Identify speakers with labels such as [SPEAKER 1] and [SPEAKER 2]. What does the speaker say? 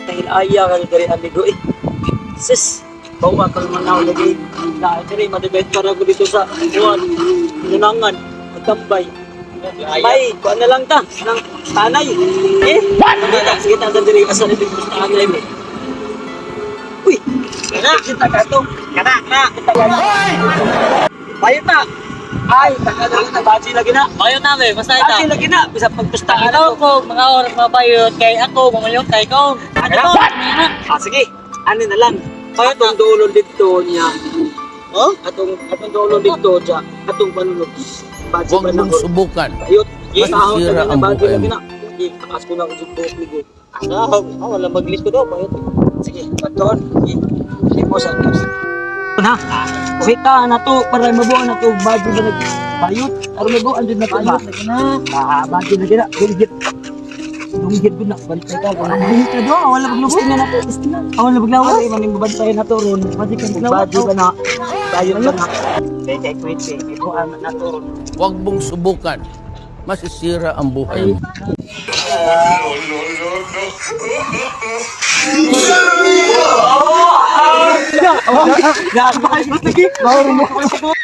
[SPEAKER 1] Dahil ayaw ka dari amigo eh. Sis, bawa ka naman ako lagi. Na diri madagay para ko dito sa buwan. Lunangan, magtambay. May, kuha na lang ta ng tanay. Eh, sige ta diri asa na dito sa tanay mo. Uy, kita ka to. Kana. Bayo ta. Ay, tagal na baji lagi na.
[SPEAKER 2] Bayo namin, basta ito.
[SPEAKER 1] Baji lagi na, bisa pagpustahan
[SPEAKER 2] Ikaw
[SPEAKER 1] ako.
[SPEAKER 2] ko, mga oras mabayot, kay ako, mamayot kay ko. Ano to?
[SPEAKER 1] Sige, ano na lang. Atong dulo dito niya. Oh? Atong dulo dito siya. Atong panulog. Baji
[SPEAKER 3] Huwag
[SPEAKER 1] ba na
[SPEAKER 3] mong
[SPEAKER 1] ko?
[SPEAKER 3] subukan.
[SPEAKER 1] Ayot. Sahod
[SPEAKER 3] Masisira
[SPEAKER 1] na
[SPEAKER 3] ang
[SPEAKER 1] baji
[SPEAKER 3] buhay
[SPEAKER 1] lagi
[SPEAKER 3] mo.
[SPEAKER 1] na. Sige, takas ko na ang subo ko. Wala mag-list ko daw. Bayot. Sige, paton. Sige po sa tips. Na, kita na to para mabuo na to baji ba nag bayot. Aron mabuo andun na to ba? Baji lagi na. Gilgit. Dunggit ko na, bantay ka. Dunggit ka doon, wala paglubos na to. Wala paglawas. Ay, maning babantay na to ron. Baji ka na. Bayot ka na. Kaya kwit eh. Ito ang na to ron.
[SPEAKER 3] Huwag mong subukan. Masisira ang buhay mo.
[SPEAKER 1] Lagi, lagi. Bawal mo.